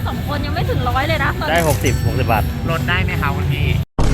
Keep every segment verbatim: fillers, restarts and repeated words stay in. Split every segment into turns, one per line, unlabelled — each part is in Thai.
สองคนยังไม่ถึงร้อยเลยนะ
ได้หกสิบหกสิบบาท
ลดได้ไหมคะคุณพี่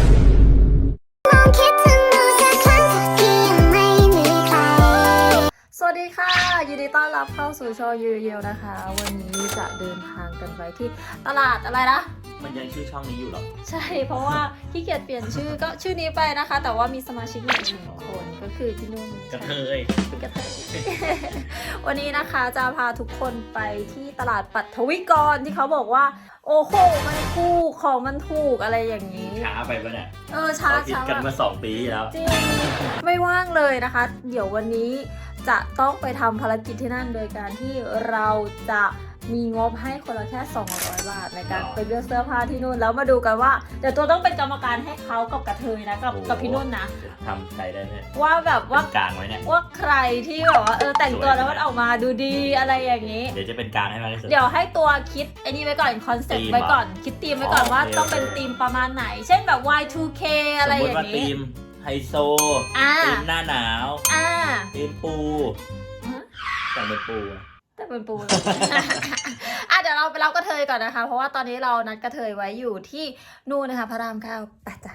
สวัสดีค่ะยินดีต้อนรับเข้าสู่ช่องยูเยวนะคะวันนี้จะเดินทางกันไปที่ตลาดอะไรนะ
มันยังชื่อช่องนี้อยู่หรอ
ใช่เพราะว่าขี้เกียจเปลี่ยนชื่อก็ชื่อนี้ไปนะคะ แต่ว่ามีสมาชิกใหม่หนึ่งคนก็คือพี่นุ่ม
กระเทย
กระเทย วันนี้นะคะจะพาทุกคนไปที่ตลาดปัทวิกรที่เขาบอกว่าโอ้โหมันถูกของมันถูกอะไรอย่างนี้
ช้าไปปะเนี่ย
เออช้าช้า
กันมาสองปีแล้ว
จริงไม่ว่างเลยนะคะเดี๋ยววันนี้จะต้องไปทำภารกิจที่นั่นโดยการที่เราจะมีงบให้คนละแค่สองร้อยบาทในการไปเลือกเสื้อผ้าที่นู่นแล้วมาดูกันว่าเดี๋ยวตัวต้องเป็นกรรมการให้เขากับกระเทยนะกับกับพี่นุ่นนะ
ทำใครได้เนี่ย
ว่าแบบว่าก
ลางไว้เนี่ย
ว่าใครที่แบบว่าเออแต่งตัวแล้วมันออกมาดูดีอะไรอย่างนี้
เดี๋ยวจะเป็นกลางให้มากที่สุด
เดี๋ยวให้ตัวคิดไอ้นี่ไว้ก่อนคอนเซ็ปต์ไว้ก่อนคิดธีมไว้ก่อนว่าต้องเป็นธีมประมาณไหนเช่นแบบ วาย ทู เค อะไรอย่างนี้
ธีมไฮโซธีมหน้าหนาวธีมปูแต่งเป็นปู
แต่เป็นปู อ่ะเดี๋ยวเราไปรับกระเทยก่อนนะคะเพราะว่าตอนนี้เรานัดกระเทยไว้อยู่ที่นู่นนะคะพระรามเก้าไปจ้ะ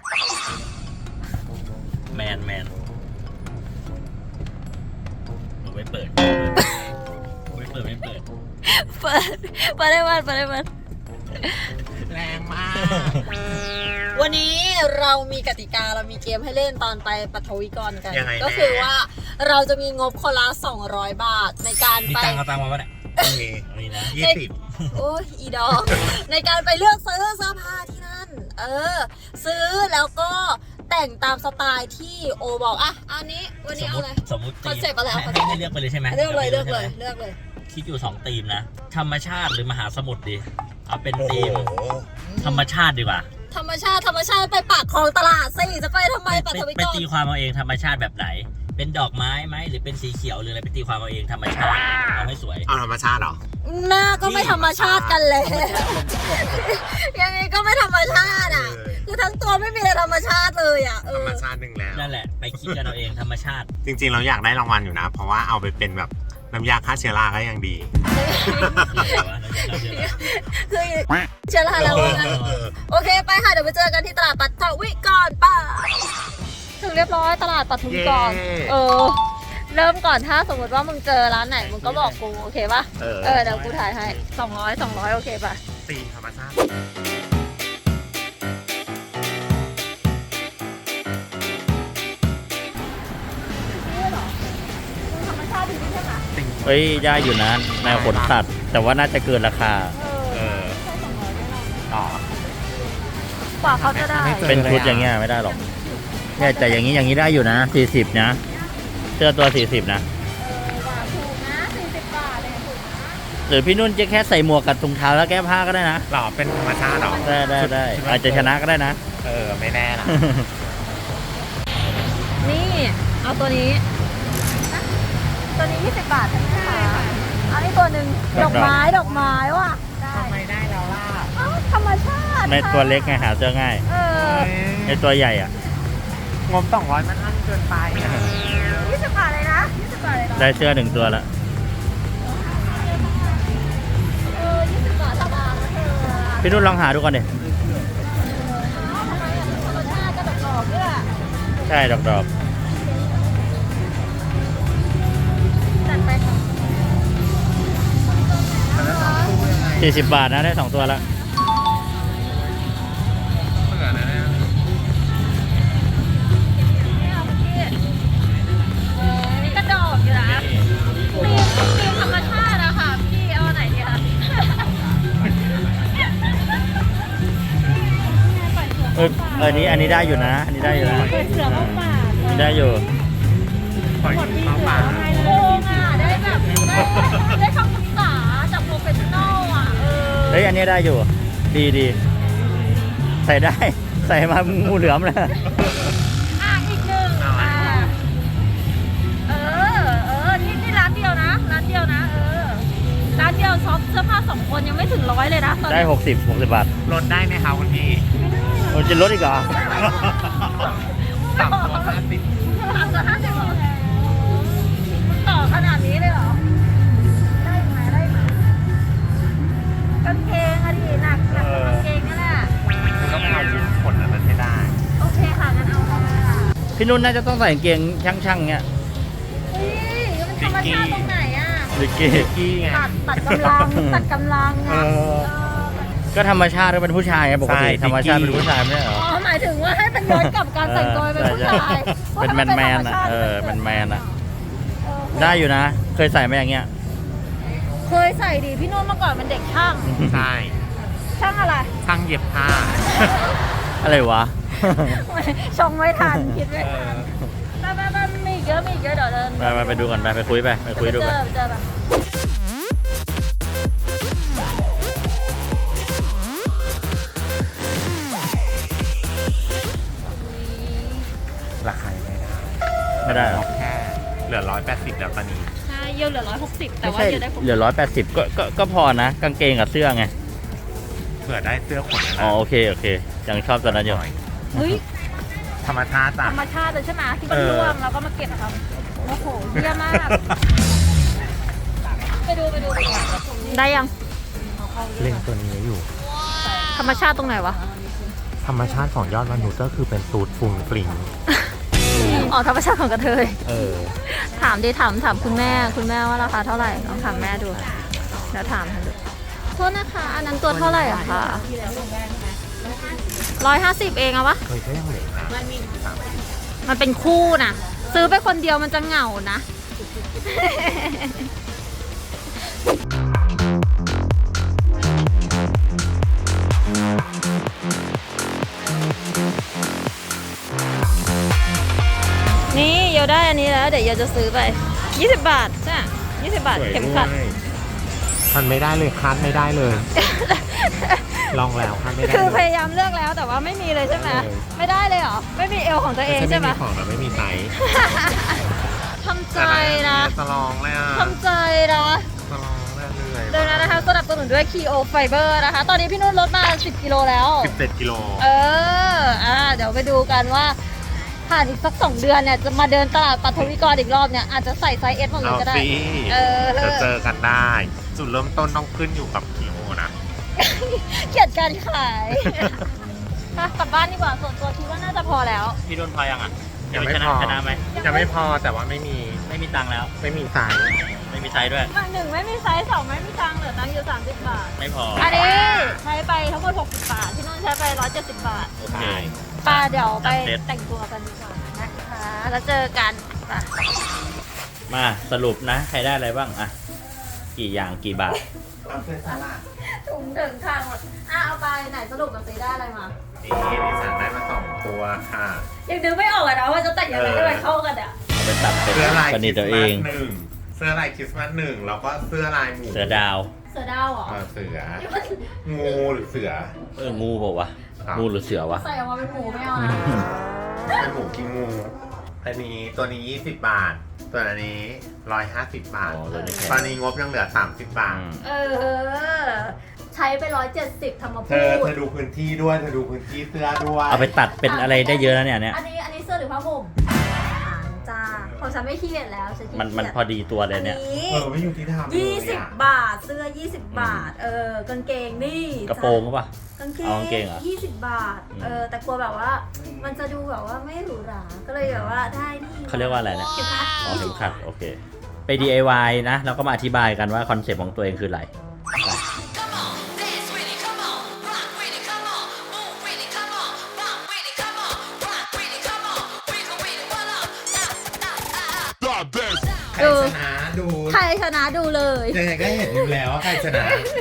แมนแมนหนูไม่เปิดไม่เปิดไม่เปิด
เปิดเปิดได้วันเปิดได้วัน
แรงมาก
วันนี้เรามีกติกาเรามีเกมให้เล่นตอนไปปัทวิกรกันก็คือว่าเราจะมีงบคนละสองร้อยบาทในการไป
มีตังค์เอาตังค์มาปะเนี่ย
มีนะยี่สิบ
โอ้ยอีดอกในการไปเลือกซื้อเสื้อผ้าที่นั่นเออซื้อแล้วก็แต่งตามสไตล์ที่โอบอกอ่ะอันนี้วันนี้เอาอะไร
สมมติ
คอนเซ็ปต์อะไร
ให้ให้เลือกไปเลยใช่ไหม
เลือกเลยเลือกเลยเลือกเลย
คิดอยู่สองธีมนะธรรมชาติหรือมหาสมุทรดีเอาเป็นธีมธรรมชาติดีกว่า
ธรรมชาติธรรมชาติไปปากคลองตลาดสิจะไปทำไมปัทวิกร
ไปตีความเอาเองธรรมชาติแบบไหนเป็นดอกไม้ไหมหรือเป็นสีเขียวหรืออะไรไปตีความเอาเองธรรมชาติเอาให้สวย
เอาธรรมชาติเหรอ
หน้าก็ไม่ธรรมชาติกันเลยยังไงก็ไม่ธรรมชาติอ่ะคือทั้งตัวไม่มีอะไรธรรมชาติเลยอ่ะ
ธรรมชาติหนึ่งแล้ว
นั่นแหละไปคิดกันเอาเองธรรมชาติ
จริงๆเราอยากได้รางวัลอยู่นะเพราะว่าเอาไปเป็นแบบน้ำยาฆ่าเชื้อราก็ยังดี
คือเชื้อราแล้วนะโอเคไปค่ะเดี๋ยวไปเจอกันที่ตลาดปัทวิกรป่ะถึงเรียบร้อยตลาดปัทวิกรเออเริ่มก่อนถ้าสมมติว่ามึงเจอร้านไหนมึงก็บอกกูโอเคป่ะเออเดี๋ยวกูถ่ายให้สองร้อยสองร้อยโอเคป่ะ
ตีธรรมชาติ
เฮ้ยได้อยู่นะแนวขนสัตว์แต่ว่าน่าจะเกินราคา
เออใช่สองร้อยแน่นอนอ๋อกว่าเขาจะได้
เป็นชุดอย่างเงี้ยไม่ได้หรอกเนี่ยแต่อย่างนี้อย่างนี้ได้อยู่นะสี่สิบนะเสื้อตัวสี่สิบนะ
เออว่าถูกนะสี่สิบบาทเลยถูกนะ
หรือพี่นุ่นจะแค่ใส่หมวกกับถุงเท้าแล้วแก้ผ้าก็ได้นะ
หรอเป็นธรรมชาติหรอ
ได้ได้ได้อาจจะชนะก็ได้นะ
เออไม่แน่นะ
นี่เอาตัวนี้ตัวนี้ยี่สิบบาทใช่ไหมคะอันนี้ตัวหนึ่งดอกไม้ดอกไม้ว่ะ
ทำไมได้แล้วล่ะ
ธรรมชาติ
ในตัวเล็กไงหาเจอง่าย
เออ
ในตัวใหญ่อ่ะ
งบสองร้อยมันอั้นเกินไป
ยี่สิบบาทเลยนะยี่สิบบาทเลย
ได้เสื้อหนึ่งตัวแล้ว
เออยี่สิบบาทธรรมดา
พี่นุ่นลองหาดูก่อนดิ
ธรรมชาติก็ดอกๆด้วย
ใช่ดอกๆสี่สิบบาทนะได้สองตัวแล้ว
นี่ก็ดอกอยู่นะตีมตีมธรรมชาติอะค่ะพี่เอาไหนดีคะ
เอออันนี้อันนี้ได้อยู่นะอันนี้ได้อยู่นะ
เปิดเสือเข้าป่า
ได้อยู่
ปล่อยเข้าป่า
โกงอะได้แบบได้คำปรึกษาจากโปรเฟชชั่นอลอะ
เฮ้ยอันนี้ได้อยู่ดีดีใส่ได้ใส่มางูเหลือมเลย
อ่ะอีกหนึ่งอ่ะเออเออนี่นี่ร้านเดียวนะร้านเดียวนะเออร้านเดียวช็อปเสื้อผ้าสองคนยังไม่ถึงร้อยเลยนะ
ได้หกสิบหกสิบบาท
ลดได้ไหมคะคุณพี่
มันจะลดอีกเหรอ
สามตัวห้าสิบ
สามตัวห้าสิบต่อขนาดนี้เลยเหรอได้ไหมได้ไหมกางเกงอะดิ
นุ่นน่าจะต้องใส่กางเกงช่างๆเงี้ย
เฮ้ยมันธรรมชาติตรงไหนอ่ะ
ลิกกี้
กี้ไง
ตัดตัดกำลังตัดกำลัง
เอ
อ่ะ
อ
ก็ธรรมชาติก็เป็นผู้ชายไงปกติ
ใช่
ธรรมชาติ
ลิ
เป็น
กกี้
ผู้ชายไม่ใช่เหรอ
อ๋อหมายถึงว่าให้มันย้อนกลับการแต่งตัวเป็นผู้ชาย
เป็นแมนแมนๆอ่ะเออแมนแมนๆอ่ะได้อยู่นะ เคยใส่ไหมอย่างเงี้ย
เคยใส่ดิพี่นุ่นเมื่อก่อนมันเด็กช่าง
ใช่
ช่างอะไร
ช่างเย็บผ้า
อะไรวะ
ชงไม่ทันคิดไม่ทันไปไปไปมีอีกเยอะมีอีกเยอะเดี๋ยวเดิน
ไปไปไปดูก่อนไปไปคุยไปไปคุยดู
เจ
ไป
อเจอแบบ
ราคายังไม่ได้
ไม่ได้หรอ
แค่เหลือร้อยแปดสิบแล้วตอนนี้
ใช่เยอะเหลือร้อยหกสิบแต่
ไม่
ว่า
ใช่
เยอะได้ผม
เหลือร้อยแปดสิบก็ก็ก็พอนะกางเกงกับเสื้อไง
เผื่อได้เสื้อขนนะ
อ๋อโอเคโอเคยังชอบตอนนั้นอยู่
เฮ้ย
ธรรมชาติ
ธ
จ้ะ
รรมชาติเลยใช่ไหมที่มัน
เออ
ร่วงแล้วก็มาเก็บครับโอ้โหเยี่ยมมาก ไปดูไปดูได้ยัง
เล่นตัวนี้อยู่
ธรรมชาติตรงไหนวะ
ธรรมชาติของยอดมนุษย์ก็คือเป็นตูดฟุงฟลิง
อ๋อธรรมชาติของกระเทย
เออ
ถามดิถามถามคุณแม่คุณแม่ว่าราคาเท่าไหร่ลองถามแม่ดูเดี๋ยวถามให้ดูโทษนะคะอันนั้นตัวเท่าไหร่อะคะร้อยห้าสิบเองอะวะ
เคยก็ยังเหลือนะ
มันเป็นคู่นะซื้อไปคนเดียวมันจะเหงานะ นี่เยาได้อันนี้แล้วเดี๋ยวเยาจะซื้อไปยี่สิบบาทใช่ยี่สิบบาทเข็มขัด
มันไม่ได้เลยคัดไม่ได้เลย ลองแล้วคัดไม่ได้
คือพ
เลย
ยายามเลือกแล้วแต่ว่าไม่มีเลยใช่ไหม
เออ
ไม่ได้เลยเหรอ ไม่มีเอวของตัวเองใช่ไหม
ไม่มีของแต่ไม่มีไซส์
ทำใจนะ
จะลองเลยอ่ะ
ทำใจนะ
จะลองเรื่อยๆ
เดี๋ยวนะนะคะสนับสนุนด้วย Keo Fiber นะคะ ตอนนี้พี่นุ่นลดมาสิบกิโลแล้ว
สิบเจ็ดกิโล
เออ อ่า เดี๋ยวไปดูกันว่า ผ่านอีกสักสองเดือนเนี่ย จะมาเดินตลาดปัทวิกรอีกรอบเนี่ย อาจจะใส่ไซส์ S หมดเลย
เอา
ก็ได้
สิ
เออ
จะเจอกันได้ จุดเริ่มต้นต้องขึ้นอยู่กับกิโลนะ
เกลียดการขาย มากลับบ้านดีกว่าส่วนตัวคิดว่าน่าจะพอแล้ว
พี่นุ่นพอยังอ่ะ
ยังไม่
ช
พ
นะ
อ
ชนะไหม
ยังไม่พอแต่ว่าไม่มี
ไม่มีตังค์แล้ว
ไม่มีไซส์
ไม่มีไซส์ด้วย
หนึ่งไม่มีไซส์สองไม่มีตังค์เหลือตังค์อยู่สามสิบบาท
ไม่พอ
อันนี้ใช้ไปทั้งหมดหกสิบบาท ที่นุ่นใช้ไปร้อยเจ็ดสิบบาท
โอเค
ป้าเดี๋ยวไป
จัดเซ็ต
แต่งตัวกันดีกว่านะคะ แล้วเจอกันป่ะ
มาสรุปนะ ใครได้อะไรบ้างอ่ะกี่อย่างกี่บาท
ถุงถึงข้างหมดอ่ะเอาไปไหนสรุปกับซีได้อะไรมา
นี่ดิฉันได้มาสองตัวค่ะ
ยังนึกไม่ออกเลยนะว่าจะแต่งยังไงให้มันเข้ากันอ่ะ
เอาไปตัดเป็น
เสื้อลาย
ประ
ค
ดิ
ริ
ษ
ส
ฐ์ตัว
ต์
เอ
มาส
ง
หนึ่งเสื้อลายคริสต์มาสหนึ่งแล้วก็เสื้อลายหมู
เสือดาว
เสือดาวเหรอ
เออเสือ งูหรือเสือ
เอองูเปล่าวะ
ครับ
งูหรือเสือวะ
ใส่ออกมาเป็นหมูไม่เอานะ
เป็นหมูกินงูอันนี้ตัวนี้ยี่สิบบาท ตัวนี้ร้อยห้าสิบบาท
อ๋อตัวนี้แพง
ตอนนี้งบยังเหลือสามสิบบาท
อืม
เออ ใช้ไปร้อยเจ็ดสิบทำมา
เธ
พู
อ
ด
เธอดูพื้นที่ด้วย เธอดูพื้นที่เสื้อด้วย
เอาไปตัดเป็นอะไรได้เยอะแล้วเนี่ยเนี่ย
อันนี้อันนี้เสื้อหรือผ้าห่มอ่านจ้าของฉันไม่ขี้เกียจแล้วฉันขี้
มัน
เกียจ
มันพอดีตัวเลยเนี่ย
อันนี้
เออไม่อยู่ที่ทำเลย
ยี่สิบ
อะ
บาท เสื้อยี่สิบบาท เออกางเกงนี่
กระโปรงก็ปะ
กางเก
เอากางเกงเหรอ
ยี่สิบบาท
อืม
เออแต่กลัวแบบว่า มันจะดูแบบว่าไม่หรูหราก็เลยแบบว่าได้นี่
เขาเรียกว่าอะไรนะ
เข็มขัด
อ๋อเข็มขัดโอเค ไป ดี ไอ วาย นะ แล้วก็มาอธิบายกันว่าคอนเซ็ปต์ของตัวเองคืออะไรไป
Come on, dance with it, come on, rock with it, come on, move with it, come on, bump with it, come on, rock with it, come on, wiggle with it, what up? Ah, ah, ah.
ใครชนะดู
ใครชนะดูเลย
ยังไงก็เห็นอยู่แล้วว่าใครชนะ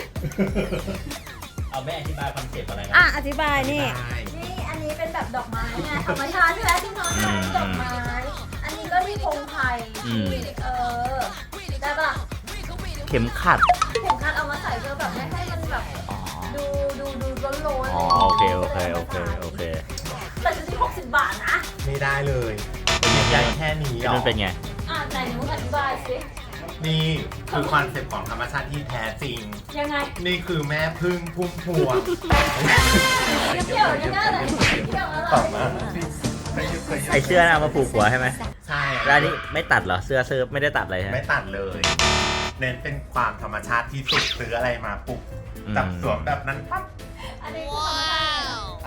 เอาไม่อธิบายคอนเซ็ปต์อะไรนะ
อ่ะ อธิบายนี่
ได้
นี่อันนี้เป็นแบบดอกไม้ไงธรรมชาติใช่ไหมที่น้องทำดอกไม้ อันนี้ก็มีพงไผ่
อืม
เออ ได้ปะล่ะ
เข็มขัด
เข็มขัดเอามาใส่เพื่อแบบไม่ให้มันแบบ
อ๋อ
ดูดูดูร้อนร้อน
อ๋อโอเคโอเคโอเคโอเค
แต่จะที่หกสิบบาทนะ
ไม่ได้เลยยังแค่นี้
พี่
หร
นุ่
อน
เป็นไง
อ่ะไหนหนูอธิบายสิ
นี่คือคอนเซ็ปต์ของธรรมชาติที่แท้จริง
ยังไง
นี่คือแม่พึ่งพุ่มพวง
เกี่ยวยังไงไหนเกี่ยวอะไร
ตอบมาไม่ยุเคย
ไอเสื้อน่ะเอามาผูกหัวใช่ไหม
ใช่
แล้วอันนี้ไม่ตัดเหรอ เสื้อเสื้อไม่ได้ตัดเลยใช่ไหม
ไม่ตัดเลย เน้นเป็นความธรรมชาติที่สุดซื้ออะไรมาปุ๊บ
อืม
จับสวมแบบนั้นปั๊บ
อันนี้คือธรรมชาติ
อั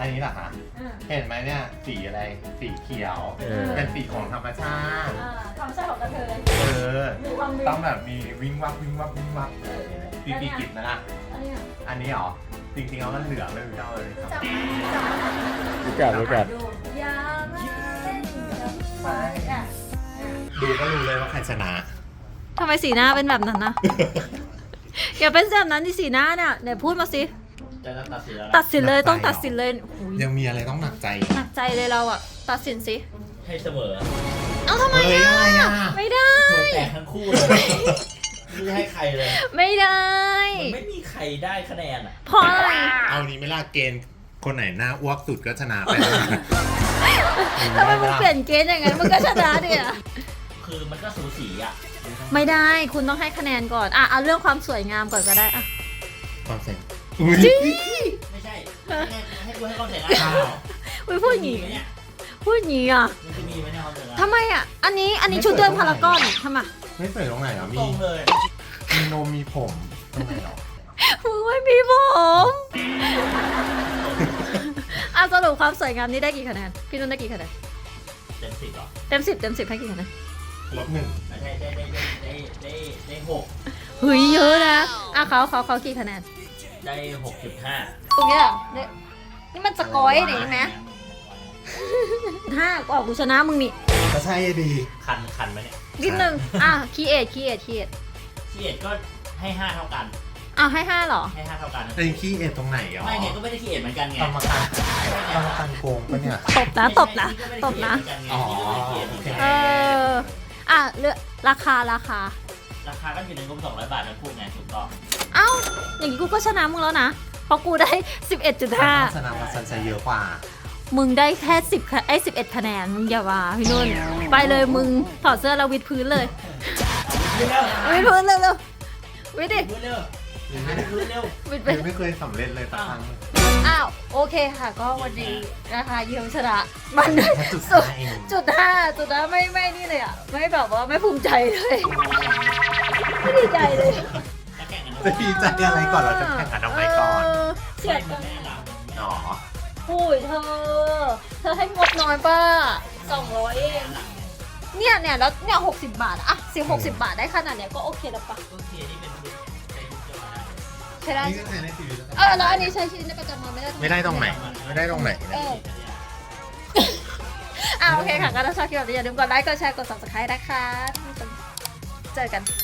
อันนี้เหรอคะ
อ่า
เห็นไหมเนี่ย สีอะไร สีเขียว
เออ
เป็นสีของธรรมชาติ
อ่าความใช่ของกระเทย
เออ
มีความวิ
ต้องแบบมีวิ่งวับวิ่งวับวิ่งวับ
เออ
สีสีกิจนะล่ะ
อันเนี้ย
อันนี้เหรอ จริงๆแล้วมันเหลืองไม่รู้เท่าเลย
รู้
ค
จั
รั
ก
บ
ไหมรู้จักไหม
รู้จักรู้จัก
ดูอย่ามาเล่นกับไฟอ่ะ
ดูก็รู้เลยว่าใครชนะ
ทำไมสีหน้าเป็นแบบนั้นนะ อย่าเป็นแบบนั้นที่สีหน้าเนี่ยเดี๋ยวพูดมาสิ
จะตัดสินแล้วนะ
ตัดสินเลย
หนักใจ
ต้องตัดสินเลยหูย
ยังมีอะไรต้องหนักใจ
หนักใจเลยเราอ่ะ ตัดสินสิ
ให้เสมอ
เอ้าทำไม
เฮ้ย
อ่ะ
อะไรอ่ะ
ไม่ได้
หัวแตกทั้งคู่เลยไม่ได้ให้ใครเลย
ไม่ได้
มันไม่มีใครได้คะแนนอ่ะ
เพราะอะไร
เอานี้ไม่ล่าเกณฑ์คนไหนหน้าอ้วกสุดก็ชนะไป
ทำไมมึงเปลี่ยนเกณฑ์อย่างนั้นมึงก็ชนะดิอ่ะ
คือมันก็สูสีอ่ะ
ไม่ได้คุณต้องให้คะแนนก่อนอ่ะเอาเรื่องความสวยงามก่อนก็ได้อ่ะ
ความเซ็ง
ไม่ใช่ให้ให้กูให้ความเสียง
อ้า
อ่ะ
ว
อุ้ยพูดอย่าง
มี
งี้
ไหมเนี่ย
พูดอย่างงี้อ่ะ
มันจะมีไหมเนี่ยความเสียงอ่ะ
ทำไมอ่ะ อันนี้อันนี้ชุดเดินพารากอนทำไม
ไม่เปิดตรงไหนเหรอ
ต
มี
รงเลย
มีนมมีผมตรงไหนเหรอ
มึงไม่มีผมอ่ะสรุปความสวยงามนี้ได้กี่คะแนนพี่นุ่นได้กี่คะแนน
เต็มสิบเหรอ
เต็มสิบเต็มสิบให้กี่คะแนน
ลบหนึ่ง
ไม่ใช่ได้ได้ได้ได้ได้ได้หก
เฮ้ยเยอะนะอ่ะเขาเขาเขากี่คะแนน
ได้หกจุดห้า
ตรงเนี้ยเนี่ยนี่มันสกอยหนิไหมห้ากว่ากูชนะมึงนี่
ก็ใช่ดี
คันคันไหมเนี่ย
นิดนึงอ่ะคีเอทคีเอทคีเอท
ที่เอ็ดก็ให้ห้าเท่ากัน
อ่ะให้ห้าเหรอ
ให้ห้าเท่ากัน
ไอ้ขี้เอ็ดตรงไหนเหรอ
ไม่ไงก็ไม่ได้ที่เอ็ดเหมือนกันไง
กรรมการกรรมการโกงปะเนี่ย
ตบนะตบนะตบนะ
อ๋อ
เอออ่ะเลือกราคาราคา
ราคาก็อยู่ในงบสองร้อยบาททั้งคู่ไงถูกต้อง
เอ้า อย่างนี้กูก็ชนะมึงแล้วนะ เพราะกูได้ สิบเอ็ดจุดห้า
ชนะมาซันไซเยอะกว่า
มึงได้แค่สิบไอ้สิบเอ็ดคะแนน มึงอย่าว่าพี่นุ่น ไปเลยมึงถอดเสื้อแล้ววิดพื้นเลย วิดพื้นเร็วเร็ววิดดิ
พูดเร็วพูดเร็ว
วิดไป
ไม่เคยสำเร็จเลยสักครั้ง
อ้าว โอเคค่ะ ก็วันนี้นะคะเยี่ยมชนะมัน
แค่จุด
สุด
ห้าเอง
จุดห้าจุดห้าไม่ไม่นี่เลยอ่ะ ไม่แบบว่าไม่ภูมิใจเลย ไม่ดีใจเลย
จะแข่งกัน
จะดีใจอะไรก่อนเราจะแข่งกันทำไมก่อน
เเสียด
กั
กัน น
แม่เรา
อ๋อ
โอ้ยเธอ เธอให้งบน้อยป่ะสองร้อยเอง เนี่ยเนี่ยแล้วเนี่ยหกสิบบาทอะสิบหกสิบบาทได้ขนาดเนี้ยก็โอเคแล้วปะ
โอเคนี่เป็นบุญในยุคเดียวกัน
ใช่ได้
นี่ก็ใช้ในชีวิต
เออแล้วอันนี้ใช้ชีวิตในประจำวันไม่ได้
ไม่ได้ตรงไหน ไม่ได้ตรงไหน
เอออ่ะโอเคค่ะก็ถ้าชอบคลิปแบบนี้อย่าลืมกดไลค์กดแชร์กด ซับสไครบ์ นะคะเจอกัน